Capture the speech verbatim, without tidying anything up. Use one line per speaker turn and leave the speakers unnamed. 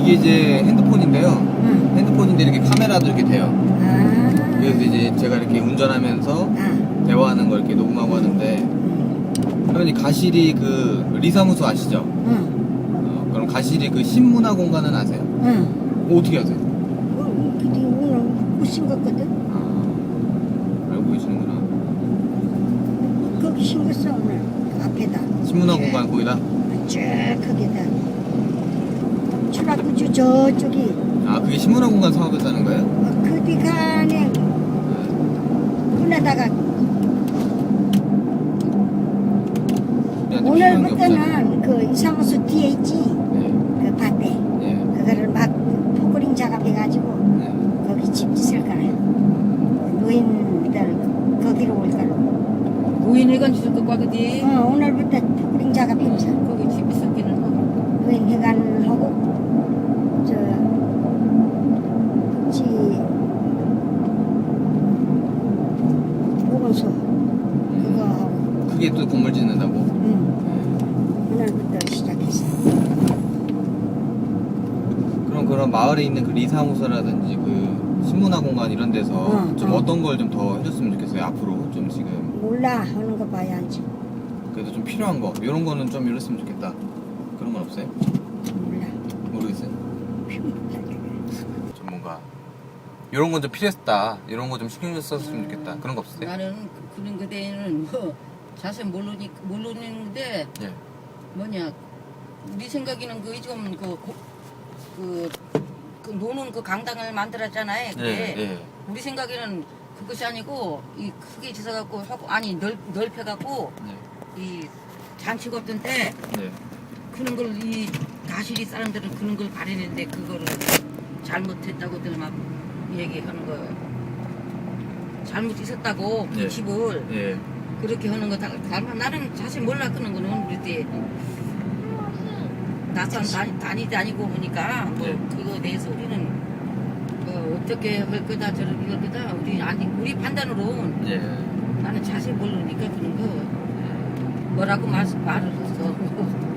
이게 이제 핸드폰인데요.
응.
핸드폰인데 이렇게 카메라도 이렇게 돼요.
아.
그래서 이제 제가 이렇게 운전하면서
아.
대화하는 걸 이렇게 녹음하고 하는데,
응.
그러니 가실이 그 리사무소 아시죠?
응.
어, 그럼 가실이 그 신문화 공간은 아세요?
응.
어, 어떻게 아세요?
어, 근데 오늘 오신 거거든.
아, 알고 계시는구나.
거기 신겼어 오늘 그 앞에다.
신문화 공간 거기다.
쭉 거기다. 출납구주 저쪽이
아, 그게 신문화 공간 사업했다는 거예요?
어, 그 뒤간에 끝나다가
우리한테 필요한 게 없잖아요.
오늘부터는 그 이사무소 뒤에 있지
네,
그 밭에
네,
그거를 막 포크링 작업해가지고
네.
거기 집 짓을 거라. 노인들 거기로 올 거라.
노인회관 주실 것 같으지.
어, 오늘부터 포크링 작업하면서
거기 집 있었기는 하고.
노인회관하고 저 국지 보건소 그거 하고
그게 또 건물 짓는다고?
응. 오늘부터 시작했어.
그럼 그런 마을에 있는 그 리사무소라든지 그 신문화 공간 이런 데서
어,
좀
어.
어떤 걸 좀 더 해줬으면 좋겠어요. 앞으로 좀 지금
몰라 하는 거 봐야지.
그래도 좀 필요한 거 이런 거는 좀 이랬으면 좋겠다. 그런 건 없어요?
몰라.
모르겠어요. 좀 뭔가 이런 건 좀 필요했다. 이런 거 좀 신경 좀 썼으면 좋겠다. 그런 거 없어요?
나는 그- 그런 거대는 뭐 자세히 모르니 모르는데
예.
뭐냐 우리 생각에는 그 좀 그 그 그 노는 그 강당을 만들었잖아요. 그게
예, 예.
우리 생각에는 그것이 아니고 이 크게 지어갖고 하고 아니 넓 넓혀갖고
네.
이 잔치가 없던 때
네.
그런 걸 이 다시리 사람들은 그런 걸 바라는데 그거를 잘못했다고들 막 얘기하는 거 잘못 있었다고 그
네.
집을
예.
그렇게 하는 거 다, 다 나는 사실 몰라 그런 거는 우리 때 낯선 다니, 다니 다니고 보니까 뭐
네.
그거 대해서 우리는 뭐 어떻게 할 거다 저렇게 할 거다 우리 아니 우리 판단으로는
예.
나는 자세히 모르니까 그런 거 뭐라고 말, 말을 했어.